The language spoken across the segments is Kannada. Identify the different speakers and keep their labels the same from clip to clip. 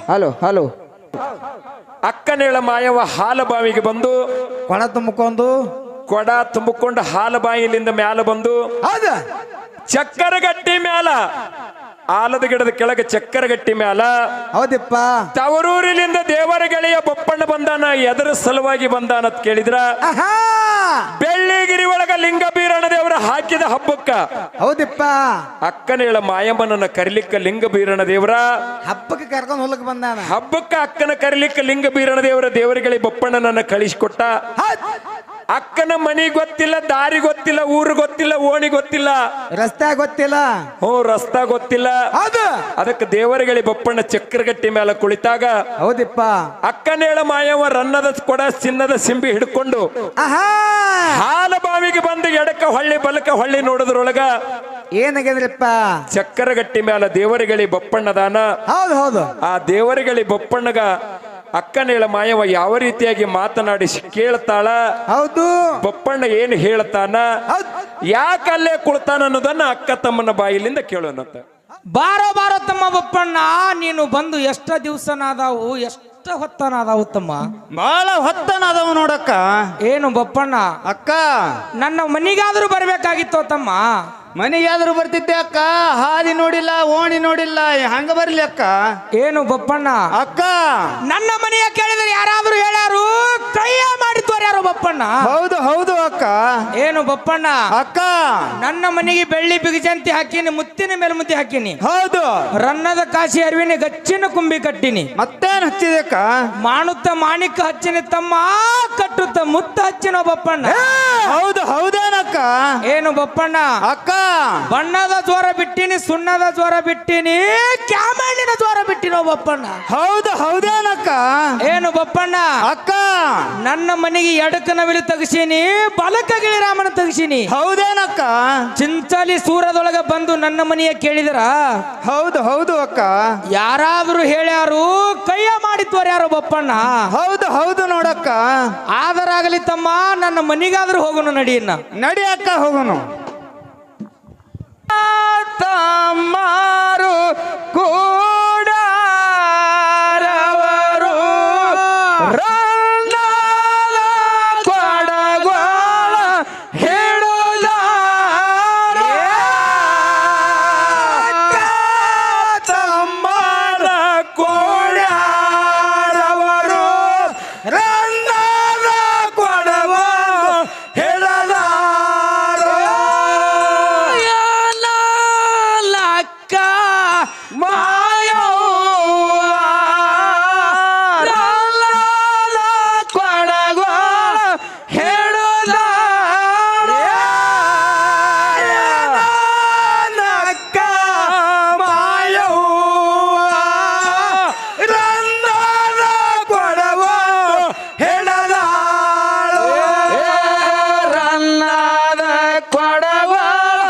Speaker 1: ಹಲೋ ಹಲೋ
Speaker 2: ಅಕ್ಕನೇಳ ಮಾಯವ ಹಾಲ ಬಾವಿಗೆ ಬಂದು
Speaker 1: ಕೊಳ ತುಂಬಿಕೊಂಡು
Speaker 2: ಕೊಡ ತುಂಬಿಕೊಂಡು ಹಾಲ ಬಾಯಿಲಿಂದ ಮ್ಯಾಲ ಬಂದು
Speaker 1: ಹೌದ
Speaker 2: ಚಕ್ಕರಗಟ್ಟಿ ಮ್ಯಾಲ ಆಲದ ಗಿಡದ ಕೆಳಗೆ ಚಕ್ಕರಗಟ್ಟಿ ಮ್ಯಾಲ
Speaker 1: ಹೌದಿಪ್ಪ
Speaker 2: ತವರೂರಿನಿಂದ ದೇವರ ಗೆಳೆಯ ಬೊಪ್ಪಣ್ಣ ಬಂದಾನ ಎದರ ಸಲುವಾಗಿ ಬಂದಾನ ಅಂತ ಕೇಳಿದ್ರ ಬೆಳ್ಳಿಗಿರಿ ಒಳಗ ಲಿಂಗ ಬೀರಣ ದೇವರ ಹಾಕಿದ ಹಬ್ಬಕ್ಕ
Speaker 1: ಹೌದಿಪ್ಪ
Speaker 2: ಅಕ್ಕನೇಳ ಮಾಯಮ್ಮನನ್ನ ಕರಿಲಿಕ್ಕ ಲಿಂಗ ಬೀರಣ ದೇವರ
Speaker 1: ಹಬ್ಬಕ್ಕೆ ಕರ್ಕೊಂಡು ಹೊಲಕ್ ಬಂದಾನ
Speaker 2: ಹಬ್ಬಕ್ಕ ಅಕ್ಕನ ಕರಿಲಿಕ್ಕ ಲಿಂಗ ಬೀರಣ ದೇವರ ದೇವರಗಳಿಗೆ ಬೊಪ್ಪಣ್ಣನನ್ನ ಕಳಿಸಿಕೊಟ್ಟ ಅಕ್ಕನ ಮನಿ ಗೊತ್ತಿಲ್ಲ, ದಾರಿ ಗೊತ್ತಿಲ್ಲ, ಊರು ಗೊತ್ತಿಲ್ಲ, ಓಣಿ ಗೊತ್ತಿಲ್ಲ,
Speaker 1: ರಸ್ತೆ ಗೊತ್ತಿಲ್ಲ,
Speaker 2: ರಸ್ತಾ ಗೊತ್ತಿಲ್ಲ. ಅದಕ್ಕೆ ದೇವರಗಳಿ ಬೊಪ್ಪಣ್ಣ ಚಕ್ರಗಟ್ಟಿ ಮೇಲೆ ಕುಳಿತಾಗ
Speaker 1: ಹೌದಿಪ್ಪ
Speaker 2: ಅಕ್ಕನೇಳ ಮಾಯವ ರನ್ನದ ಕೊಡ ಚಿನ್ನದ ಸಿಂಬಿ ಹಿಡ್ಕೊಂಡು ಹಾಲ ಬಾವಿಗೆ ಬಂದು ಎಡಕ ಹೊಳ್ಳಿ ಬಲಕ ಹೊಳ್ಳಿ ನೋಡೋದ್ರೊಳಗ
Speaker 1: ಏನಾಗಿದ್ರಿಪ್ಪ
Speaker 2: ಚಕ್ಕರಗಟ್ಟಿ ಮೇಲೆ ದೇವರಗಳಿ ಬೊಪ್ಪಣ್ಣದಾನ.
Speaker 1: ಹೌದು ಹೌದು
Speaker 2: ಆ ದೇವರಗಳಿ ಬೊಪ್ಪಣ್ಣಗ ಅಕ್ಕನೇಳ ಮಾಯವ ಯಾವ ರೀತಿಯಾಗಿ ಮಾತನಾಡಿ ಕೇಳ್ತಾಳ,
Speaker 1: ಹೌದು
Speaker 2: ಬೊಪ್ಪಣ್ಣ ಏನು ಹೇಳ್ತಾನ, ಯಾಕಲ್ಲೇ ಕುಳ್ತಾನ ಅನ್ನೋದನ್ನ ಅಕ್ಕ ತಮ್ಮನ ಬಾಯಿಲಿಂದ ಕೇಳೋಣಂತ.
Speaker 3: ಬಾರೋ ಬಾರೋ ತಮ್ಮ ಬೊಪ್ಪಣ್ಣ, ನೀನು ಬಂದು ಎಷ್ಟ ದಿವ್ಸನಾದವು, ಎಷ್ಟ ಹೊತ್ತನಾದವು ತಮ್ಮ?
Speaker 1: ಬಹಳ ಹೊತ್ತನಾದವು ನೋಡಕ್ಕ.
Speaker 3: ಏನು ಬೊಪ್ಪಣ್ಣ
Speaker 1: ಅಕ್ಕ
Speaker 3: ನನ್ನ ಮನಿಗಾದ್ರೂ ಬರ್ಬೇಕಾಗಿತ್ತು ತಮ್ಮ.
Speaker 1: ಮನೆಗಾದ್ರೂ ಬರ್ತಿದ್ದೆ ಅಕ್ಕ, ಹಾದಿ ನೋಡಿಲ್ಲ, ಓಣಿ ನೋಡಿಲ್ಲ, ಹಂಗ ಬರ್ಲಿ ಅಕ್ಕ.
Speaker 3: ಏನು ಬೊಪ್ಪಣ್ಣ
Speaker 1: ಅಕ್ಕ
Speaker 3: ನನ್ನ ಮನೆಯ ಕೇಳಿದ್ರೆ ಯಾರಾದ್ರೂ ಹೇಳ್ಯಾರು, ಕೈಯ ಮಾಡಿದ್ವಾರ ಯಾರು ಬೊಪ್ಪಣ್ಣ?
Speaker 1: ಹೌದು ಹೌದು ಅಕ್ಕ.
Speaker 3: ಏನು ಬೊಪ್ಪಣ್ಣ
Speaker 1: ಅಕ್ಕ
Speaker 3: ನನ್ನ ಮನೆಗೆ ಬೆಳ್ಳಿ ಬಿಗಜಂತಿ ಹಾಕಿನಿ, ಮುತ್ತಿನ ಮೇಲೆ ಮುತ್ತಿ ಹಾಕಿನಿ,
Speaker 1: ಹೌದು
Speaker 3: ರನ್ನದ ಕಾಶಿ ಅರಿವಿನ ಗಚ್ಚಿನ ಕುಂಬಿ ಕಟ್ಟಿನಿ,
Speaker 1: ಮತ್ತೇನ್ ಹಚ್ಚಿದೆ ಅಕ್ಕ?
Speaker 3: ಮಾಣುತ್ತ ಮಾಣಿಕ ಹಚ್ಚಿನ ತಮ್ಮ, ಕಟ್ಟುತ್ತ ಮುತ್ತ ಹಚ್ಚಿನ ಬೊಪ್ಪಣ್ಣ.
Speaker 1: ಹೌದು ಹೌದೇನಕ್ಕ?
Speaker 3: ಏನು ಬೊಪ್ಪಣ್ಣ
Speaker 1: ಅಕ್ಕ
Speaker 3: ಬಣ್ಣದ ಜ್ವರ ಬಿಟ್ಟಿನಿ, ಸುಣ್ಣದ ಜ್ವರ ಬಿಟ್ಟಿನಿ, ಕ್ಯಾಮಣ್ಣಿನ ಜ್ವರ ಬಿಟ್ಟಿನೋ ಬೊಪ್ಪಣ್ಣ.
Speaker 1: ಹೌದು ಹೌದೇನಕ್ಕ?
Speaker 3: ಏನು ಬೊಪ್ಪಣ್ಣ
Speaker 1: ಅಕ್ಕ
Speaker 3: ನನ್ನ ಮನೆಗೆ ಎಡಕ ನವಿಲು ತಗಸೀನಿ, ಬಲಕ ಗಿಳಿರಾಮನ ತಗಸೀನಿ.
Speaker 1: ಹೌದೇನಕ್ಕ?
Speaker 3: ಚಿಂಚಲಿ ಸೂರದೊಳಗ ಬಂದು ನನ್ನ ಮನೆಯ ಕೇಳಿದ್ರ
Speaker 1: ಹೌದು ಹೌದು ಅಕ್ಕ.
Speaker 3: ಯಾರಾದ್ರೂ ಹೇಳ್ಯಾರು, ಕೈಯ ಮಾಡಿದ್ವಾರ ಯಾರು ಬೊಪ್ಪಣ್ಣ?
Speaker 1: ಹೌದು ಹೌದು ನೋಡಕ್ಕ.
Speaker 3: ಆದರಾಗಲಿ ತಮ್ಮ, ನನ್ನ ಮನೆಗಾದ್ರೂ ಹೋಗೋಣ ನಡಿಯನ್ನ.
Speaker 1: ನಡಿ ಅಕ್ಕ ಹೋಗೋನು.
Speaker 3: ತಮ್ಮಾರು ಕೂಡಾರವರು ರನ್ನದ ಕೊಡಗೋಳ ಹಿಡಿದಾರ,
Speaker 2: ತಮ್ಮನ ಕೋಡ್ಯಾರವರು ರನ್ನದ ಕೊಡವ ಹಿಡದಾರ.
Speaker 3: ಲಕ್ಕ ಮಾಯವ್ವ ರನ್ನದ ಕೊಡಗೋಳ ಹಿಡಿದಾರ,
Speaker 2: ನಕ್ಕ ಮಾಯವ್ವ ರನ್ನದ ಕೊಡವ ಹಿಡದಾಳು.
Speaker 3: ರನ್ನದ ಕೊಡಗೋಳ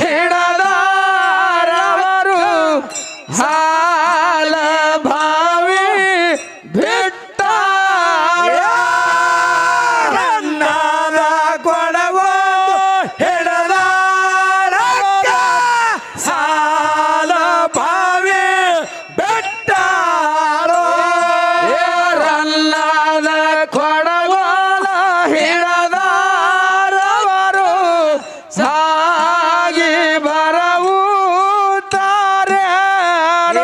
Speaker 3: ಹಿಡದಾರವರು ಹಾಲ ಭಾವಿ ಬಿಟ್ಟಾರ.
Speaker 2: ರನ್ನದ ಕೊಡವ ಹಿಡದಾಳ, ಸಾಲ ಭಾವಿ ಬೆಟ್ಟಾಳು.
Speaker 3: ರನ್ನದ ಕೊಡಗೋಳ ಹಿಡದಾರವರು ಸಾಗಿ ಬರವು ತಾರೆ.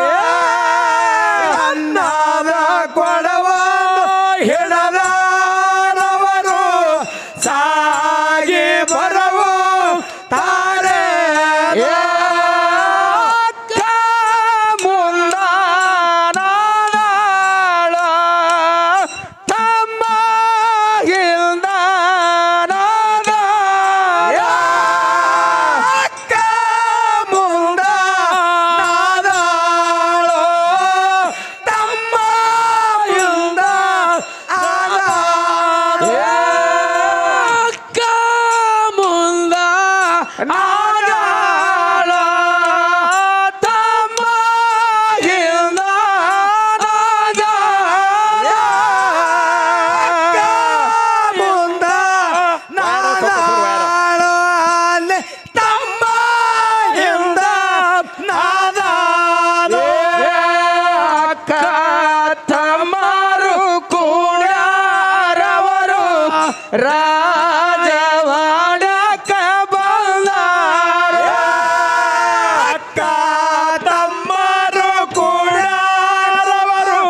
Speaker 3: ರಾಜವಾಡಕ ಬಂದಾರ
Speaker 2: ಅಕ್ಕ ತಮ್ಮರು ಕೂಡರವರು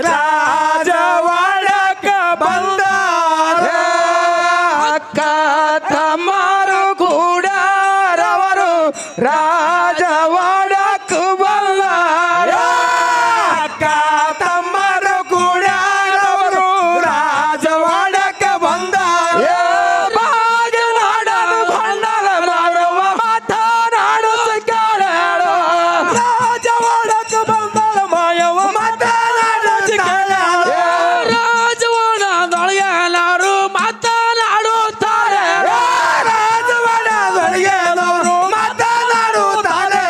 Speaker 2: ರಾಜವಾಡಕ ಬಂದಾರ
Speaker 3: ಅಕ್ಕ ತಮ್ಮರು ಕೂಡರವರು ರಾಜವಾಡಕ ಬಂದಾರ
Speaker 2: ಅಕ್ಕ ತಮ್ಮರು ಕೂಡರವರು ರಾಜವಾಡಕ ಬಂದಾರ
Speaker 3: ಬಾಗಿನಾಡಲು ಬಣ್ಣದ ಮಾಡುವ ಮಾತನಾಡುತ್ತ ಕೇಳೋ
Speaker 2: ರಾಜವಾಡಕ ಬಂದಾಳ ಮಾಯವ ಮಾತನಾಡುತ್ತ
Speaker 3: ರಾಜವಾಡದೊಳಗೆ ಎಲ್ಲರೂ ಮಾತನಾಡುತ್ತಾರೆ
Speaker 2: ರಾಜವಾಡದೊಳಗೆದವರು ಮಾತನಾಡುತ್ತಾರೆ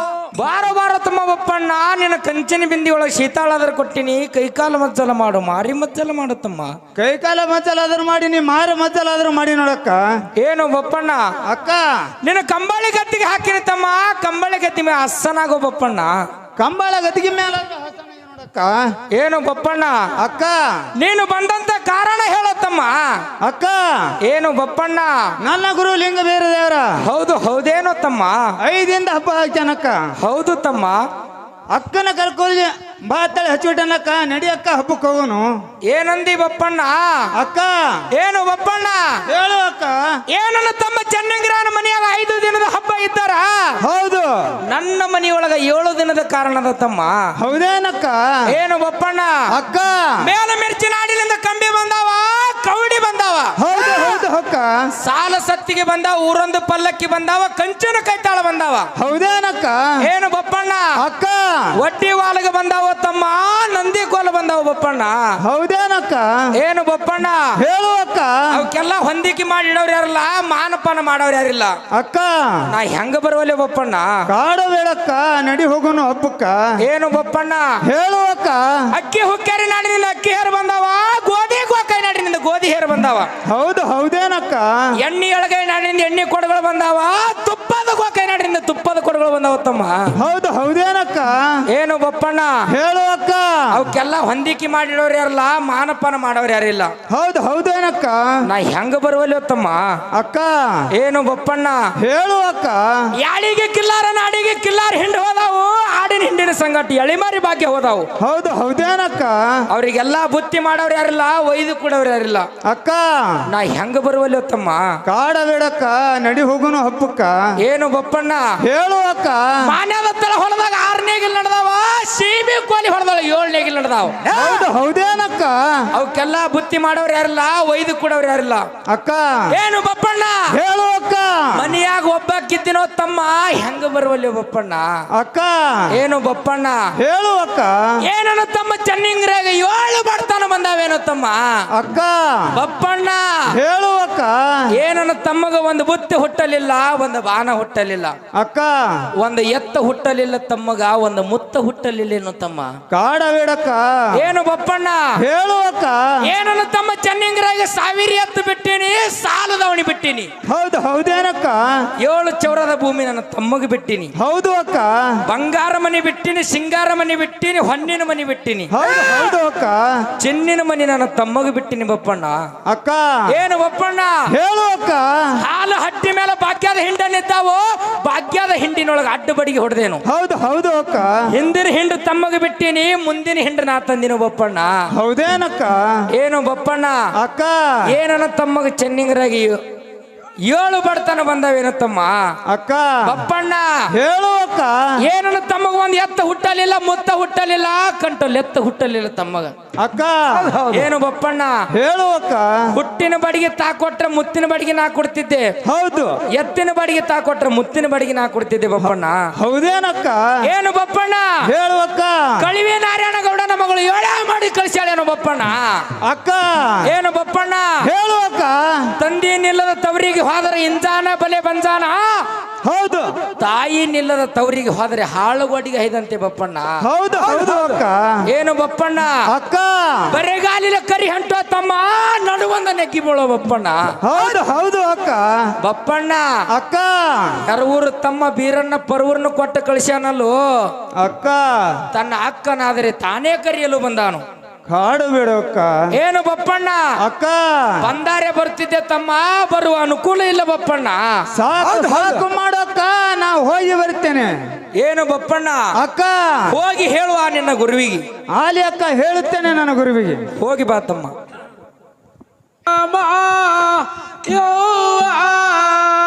Speaker 3: ಬಾರ ಬಾರ ತಮ್ಮ ಬಪ್ಪಣ್ಣ ನಿನ್ನ ಕಂಚಿನ ಬಿಂದಿ ಒಳಗೆ ಶೀತಾಳಾದ್ರ ಕೊಟ್ಟಿನಿ ಕೈಕಾಲು ಮಜ್ಜಲ ಮಾಡು ಮಾರಿ ಮಜ್ಜಲ ಮಾಡುತ್ತಮ್ಮ
Speaker 1: ಕೈ ಕಾಲ ಮಜ್ಜಲಾದ್ರೂ ಮಾಡಿ ನೀ ಮಾರು ಮಜ್ಜಲಾದ್ರೂ ಮಾಡಿ ನೋಡಕ್ಕ.
Speaker 3: ಏನು ಬಪ್ಪಣ್ಣ
Speaker 1: ಅಕ್ಕ
Speaker 3: ನಿನ್ನ ಕಂಬಳಿ ಗತ್ತಿಗೆ ಹಾಕಿನಿ ತಮ್ಮ ಕಂಬಳಿ ಗತ್ತಿ ಮೇಲೆ ಹස්සನಾಗೋ ಬಪ್ಪಣ್ಣ
Speaker 1: ಕಂಬಳ ಗದಿಗೆ ಮೇಲೆ ನೋಡಕ್ಕ.
Speaker 3: ಏನು ಬಪ್ಪಣ್ಣ
Speaker 1: ಅಕ್ಕ
Speaker 3: ನೀನು ಬಂದಂತ ಕಾರಣ ಹೇಳತ್ತಮ್ಮ
Speaker 1: ಅಕ್ಕ
Speaker 3: ಏನು ಬಪ್ಪಣ್ಣ
Speaker 1: ನನ್ನ ಗುರು ಲಿಂಗ ಬೇರೆ ದೇವರ
Speaker 3: ಹೌದು ಹೌದೇನೋ ತಮ್ಮ
Speaker 1: 5 ಹಬ್ಬ ಹಾಕ್ಯಾನಕ್ಕ.
Speaker 3: ಹೌದು ತಮ್ಮ
Speaker 1: ಅಕ್ಕನ ಕರ್ಕೊಳ್ಳಿ ಬಾ ತಳಿ ಹಚ್ಚಿಬಿಟ್ಟನಕ್ಕ. ನಡಿ ಅಕ್ಕ ಹಬ್ಬಕ್ಕೆ ಹೋಗೋನು.
Speaker 3: ಏನಂದಿ ಬಪ್ಪಣ್ಣ
Speaker 1: ಅಕ್ಕ
Speaker 3: ಏನು ಬಪ್ಪಣ್ಣ
Speaker 1: ಹೇಳು ಅಕ್ಕ.
Speaker 3: ಏನನ್ನ ತಮ್ಮ ಚೆನ್ನಂಗಿರಾನ ಮನೆಯಾಗ 5 ದಿನದ ಹಬ್ಬ ಇದ್ದಾರ
Speaker 1: ಹೌದು
Speaker 3: ನನ್ನ ಮನೆಯೊಳಗ 7 ದಿನದ ಕಾರಣದ ತಮ್ಮ
Speaker 1: ಹೌದೇನಕ್ಕ.
Speaker 3: ಏನು ಬಪ್ಪಣ್ಣ
Speaker 1: ಅಕ್ಕ
Speaker 3: ಮೇಲ ಮಿರ್ಚಿ ನಾಡಿನಿಂದ ಕಂಬಿ ಬಂದಾವ ಕೌಡಿ ಬಂದಾವ
Speaker 1: ಹೌದು ಹೌದು ಅಕ್ಕ.
Speaker 3: ಸಾಲ ಸತ್ತಿಗೆ ಬಂದಾವ ಊರೊಂದು ಪಲ್ಲಕ್ಕಿ ಬಂದಾವ ಕಂಚನ ಕೈತಾಳ ಬಂದಾವ
Speaker 1: ಹೌದೇನಕ್ಕ.
Speaker 3: ಏನು ಬಪ್ಪಣ್ಣ
Speaker 1: ಅಕ್ಕ
Speaker 3: ಒಡ್ಡಿ ವಾಲಗೆ ಬಂದಾವ ತಮ್ಮ ನಂದಿ ಕೋಲ ಬಂದಾವ ಬಪ್ಪಣ್ಣ
Speaker 1: ಹೌದೇನಕ್ಕ.
Speaker 3: ಏನು ಬಪ್ಪಣ್ಣ
Speaker 1: ಹೇಳು ಅಕ್ಕ.
Speaker 3: ಅವಕ್ಕೆಲ್ಲ ಹೊಂದಿಕೆ ಮಾಡಿ ಇಡೋರು ಯಾರಿಲ್ಲ ಮಾನಪಾನ ಮಾಡೋರು ಯಾರಿಲ್ಲ
Speaker 1: ಅಕ್ಕ
Speaker 3: ನಾ ಹೆಂಗ ಬರುವಲೆ ಬಪ್ಪಣ್ಣ
Speaker 1: ಕಾಡಬೇಡಕ್ಕ. ನಡಿ ಹೋಗೋನು ಹಬ್ಬಕ್ಕ.
Speaker 3: ಏನು ಬಪ್ಪಣ್ಣ
Speaker 1: ಹೇಳು ಅಕ್ಕ.
Speaker 3: ಅಕ್ಕಿ ಹುಕ್ಕೇರಿ ನಾಡಿನಿಂದ ಅಕ್ಕಿ ಹೇರು ಬಂದಾವ ಗೋಧಿ ಗೋಕಾಯಿ ನಾಡಿನಿಂದ ಗೋಧಿ ಹೇರು ಬಂದಾವ
Speaker 1: ಹೌದು ಹೌದೇನಕ್ಕ.
Speaker 3: ಎಣ್ಣೆ ಎಳಗೈ ನಾಡಿನಿಂದ ಎಣ್ಣೆ ಕೊಡಗಳು ಬಂದಾವ ತುಪ್ಪದ ಗೋಕಾಯಿ ನಾಡಿನಿಂದ ತುಪ್ಪದ ಕೊಡಗಳು ಬಂದಾವ ತಮ್ಮ
Speaker 1: ಹೌದು ಹೌದೇನಕ್ಕ.
Speaker 3: ಏನು ಬಪ್ಪಣ್ಣ
Speaker 1: ಹೇಳು ಅಕ್ಕ.
Speaker 3: ಅವಕ್ಕೆಲ್ಲ ಹೊಂದಿಕೆ ಮಾಡಿಡೋರು ಯಾರಲ್ಲ ಮಾನಪಾನ ಮಾಡೋರು ಯಾರಿಲ್ಲ
Speaker 1: ಹೌದು ಹೌದೇನಕ್ಕ.
Speaker 3: ನಾ ಹೆಂಗ ಬರುವಲ್ಲಿ ತಮ್ಮ
Speaker 1: ಅಕ್ಕ
Speaker 3: ಏನು ಬಪ್ಪಣ್ಣ
Speaker 1: ಹೇಳು ಅಕ್ಕ.
Speaker 3: ಯಾಳಿಗೆ ಕಿಲ್ಲಾರ ನಾಡಿಗೆ ಕಿಲ್ಲಾರ ಹಿಂಡು ಹೋದಾವು ಆಡಿನ ಹಿಂಡಿನ ಸಂಗಟ ಎಳಿಮಾರಿ ಭಾಗ್ಯ ಹೋದಾವು
Speaker 1: ಹೌದು ಹೌದೇನಕ್ಕ.
Speaker 3: ಅವ್ರಿಗೆಲ್ಲ ಬುತ್ತಿ ಮಾಡೋರು ಯಾರಿಲ್ಲ ಒಯ್ದು ಕೊಡೋರು ಯಾರಿಲ್ಲ
Speaker 1: ಅಕ್ಕ
Speaker 3: ನಾ ಹೆಂಗ ಬರುವಲ್ಲಿ ತಮ್ಮ
Speaker 1: ಕಾಡಬೇಡಕ್ಕ. ನಡಿ ಹೋಗೋನು ಹಬ್ಬಕ್ಕ.
Speaker 3: ಏನು ಬಪ್ಪಣ್ಣ
Speaker 1: ಹೇಳು ಅಕ್ಕ.
Speaker 3: ಮಾನ್ಯದ ತಳ ಹೊಲದಾಗ 6ನೇಗಿಲ್ ನಡೆದಾವ ಸೀಬಿ ಕೋಲಿ ಹೊಲದಾಗ 7ನೇಗಿಲ್ ನಡೆದಾವ
Speaker 1: ಹೌದು ಹೌದೇನಕ್ಕ.
Speaker 3: ಅವಕ್ಕೆಲ್ಲ ಬುತ್ತಿ ಮಾಡೋರು ಯಾರಿಲ್ಲ ಒಯ್ದು ಕೊಡೋರು ಯಾರಿಲ್ಲ
Speaker 1: ಅಕ್ಕ
Speaker 3: ಏನು ಬಪ್ಪಣ್ಣ
Speaker 1: ಹೇಳು ಅಕ್ಕ.
Speaker 3: ಮನಿಯಾಗ ಒಬ್ಬಕ್ಕಿದ್ದೀನೋ ತಮ್ಮ ಹೆಂಗ ಬರುವಲ್ಲಿ ಬಪ್ಪಣ್ಣ
Speaker 1: ಅಕ್ಕ
Speaker 3: ಏನು ಬಪ್ಪಣ್ಣ
Speaker 1: ಹೇಳು ಅಕ್ಕ.
Speaker 3: ಏನೋ ತಮ್ಮ ಚೆನ್ನಿಂಗ್ರಾಗ 7 ಬಡ್ತಾನ ಬಂದಾವೇನೋ ತಮ್ಮ
Speaker 1: ಅಕ್ಕ
Speaker 3: ಬಪ್ಪಣ್ಣ
Speaker 1: ಹೇಳು ಅಕ್ಕ.
Speaker 3: ಏನನ್ನ ತಮ್ಮಗ ಒಂದು ಬುತ್ತಿ ಹುಟ್ಟಲಿಲ್ಲ ಒಂದು ಬಾನ ಹುಟ್ಟಲಿಲ್ಲ
Speaker 1: ಅಕ್ಕ
Speaker 3: ಒಂದು ಎತ್ತ ಹುಟ್ಟಲಿಲ್ಲ ತಮ್ಮಗ ಒಂದು ಮುತ್ತ ಹುಟ್ಟಲಿಲ್ಲ ಏನೋ ತಮ್ಮ
Speaker 1: ಕಾಡಬೇಡಕ್ಕ.
Speaker 3: ಏನು ಬಪ್ಪಣ್ಣ
Speaker 1: ಹೇಳು ಅಕ್ಕ.
Speaker 3: ಏನನ್ನ ತಮ್ಮ ಚೆನ್ನಿಂಗ್ರಾಗ 1000 ಎತ್ತು ಬಿಟ್ಟಿನಿ ಸಾಲದವಣಿ ಬಿಟ್ಟಿನಿ
Speaker 1: ಹೌದು ಹೌದೇನಕ್ಕ.
Speaker 3: 7 ಚೌರದ ಭೂಮಿ ನನ್ನ ತಮ್ಮಗ ಬಿಟ್ಟಿನಿ
Speaker 1: ಹೌದು ಅಕ್ಕ.
Speaker 3: ಬಂಗಾರ ಮನೆ ಬಿಟ್ಟಿನಿ ಸಿಂಗಾರ ಮನೆ ಬಿಟ್ಟಿನಿ ಹೊನ್ನಿನ ಮನೆ ಬಿಟ್ಟಿನಿ
Speaker 1: ಹೌದು ಹೌದು ಅಕ್ಕ.
Speaker 3: ಚಿನ್ನಿನ ಮನೆ ನನ್ನ ತಮ್ಮಗ ಬಿಟ್ಟಿನಿ ಬಪ್ಪಣ್ಣ
Speaker 1: ಅಕ್ಕ
Speaker 3: ಏನು ಬಪ್ಪಣ್ಣ
Speaker 1: ಹೇಳು ಅಕ್ಕ.
Speaker 3: ಹಾಲು ಹಟ್ಟಿ ಮೇಲೆ ಭಾಗ್ಯದ ಹಿಂಡನಿದ್ದಾವು ಭಾಗ್ಯದ ಹಿಂಡಿನೊಳಗೆ ಅಡ್ಡ ಬಡಿಗೆ ಹೊಡೆದೇನು
Speaker 1: ಹೌದು ಹೌದು ಅಕ್ಕ.
Speaker 3: ಹಿಂದಿನ ಹಿಂಡು ತಮ್ಮಗ ಬಿಟ್ಟಿನಿ ಮುಂದಿನ ಹಿಂಡು ನಾ ತಂದಿನ ಬಪ್ಪಣ್ಣ
Speaker 1: ಹೌದೇನಕ್ಕ.
Speaker 3: ಏನು ಬಪ್ಪಣ್ಣ
Speaker 1: ಅಕ್ಕ
Speaker 3: ಏನನ್ನ ತಮ್ಮಗ ಚೆನ್ನಿಂಗರಾಗಿ 7 ಬಡತನ ಬಂದವೇನ ತಮ್ಮ
Speaker 1: ಅಕ್ಕ
Speaker 3: ಬಪ್ಪಣ್ಣ
Speaker 1: ಹೇಳು ಅಕ್ಕ.
Speaker 3: ಏನನ್ನ ತಮ್ಮಗ ಒಂದ್ ಎತ್ತ ಹುಟ್ಟಲಿಲ್ಲ ಮುತ್ತ ಹುಟ್ಟಲಿಲ್ಲ ಕಂಟಲ್ ಎತ್ತ ಹುಟ್ಟಲಿಲ್ಲ ತಮ್ಮಗ
Speaker 1: ಅಕ್ಕ
Speaker 3: ಏನು ಬಪ್ಪಣ್ಣ
Speaker 1: ಹೇಳು ಅಕ್ಕ.
Speaker 3: ಹುಟ್ಟಿನ ಬಡಿಗೆ ತಾ ಕೊಟ್ರೆ ಮುತ್ತಿನ ಬಡಿಗೆ ನಾ ಕೊಡ್ತಿದ್ದೆ
Speaker 1: ಹೌದು
Speaker 3: ಎತ್ತಿನ ಬಡಿಗೆ ತಾ ಕೊಟ್ರೆ ಮುತ್ತಿನ ಬಡಿಗೆ ನಾ ಕೊಡ್ತಿದ್ದೆ ಬಪ್ಪಣ್ಣ
Speaker 1: ಹೌದೇನಕ್ಕ.
Speaker 3: ಏನು ಬಪ್ಪಣ್ಣ
Speaker 1: ಹೇಳು ಅಕ್ಕ.
Speaker 3: ಕಳಿವೆ ನಾರಾಯಣ ಗೌಡನ ಮಗಳು 7 ಮಾಡಿ ಕಳಿಸ್ಯಾಳೇನು ಬಪ್ಪಣ್ಣ
Speaker 1: ಅಕ್ಕ
Speaker 3: ಏನು ಬಪ್ಪಣ್ಣ
Speaker 1: ಹೇಳು ಅಕ್ಕ.
Speaker 3: ತಂದೆ ನಿಲ್ಲದ ತವರಿಗೆ ಹೋದರೆ ಇಂಜಾನ ಬಲೆ ಬಂಜಾನ
Speaker 1: ಹೌದು
Speaker 3: ತಾಯಿ ನಿಲ್ಲದ ತವರಿಗೆ ಹೋದರೆ ಹಾಳುಗೋಡಿಗೆ ಐದಂತೆ ಬಪ್ಪಣ್ಣ
Speaker 1: ಹೌದು ಹೌದು ಅಕ್ಕ.
Speaker 3: ಏನು ಬಪ್ಪಣ್ಣ
Speaker 1: ಅಕ್ಕ
Speaker 3: ಬರೆಗಾಲಿನ ಕರಿ ಹಂಟೋ ತಮ್ಮ ನಡುವಂದ ನೆಗ್ಗಿ ಬೀಳೋ ಬಪ್ಪಣ್ಣ
Speaker 1: ಹೌದು ಹೌದು ಅಕ್ಕ.
Speaker 3: ಬಪ್ಪಣ್ಣ
Speaker 1: ಅಕ್ಕ
Speaker 3: ಕರವೂರು ತಮ್ಮ ಬೀರಣ್ಣ ಪರವೂರ್ನ ಕೊಟ್ಟು ಕಳಿಸ್ಯಾನಲ್ಲೋ
Speaker 1: ಅಕ್ಕ
Speaker 3: ತನ್ನ ಅಕ್ಕನಾದರೆ ತಾನೇ ಕರೆಯಲು ಬಂದಾನು
Speaker 1: ಕಾಡು ಬಿಡು ಅಕ್ಕ.
Speaker 3: ಏನು ಬಪ್ಪಣ್ಣ
Speaker 1: ಅಕ್ಕ
Speaker 3: ಬಂದಾರೆ ಬರ್ತಿದ್ದೆ ತಮ್ಮ, ಬರುವ ಅನುಕೂಲ ಇಲ್ಲ ಬಪ್ಪಣ್ಣ.
Speaker 1: ಸಾಕು ಮಾಡಕ್ಕ, ನಾ ಹೋಗಿ ಬರ್ತೇನೆ.
Speaker 3: ಏನು ಬಪ್ಪಣ್ಣ
Speaker 1: ಅಕ್ಕ
Speaker 3: ಹೋಗಿ ಹೇಳುವ ನಿನ್ನ ಗುರುವಿಗೆ.
Speaker 1: ಆಲಿ ಅಕ್ಕ, ಹೇಳುತ್ತೇನೆ ನನ್ನ ಗುರುವಿಗೆ.
Speaker 3: ಹೋಗಿ ಬಾ ತಮ್ಮ.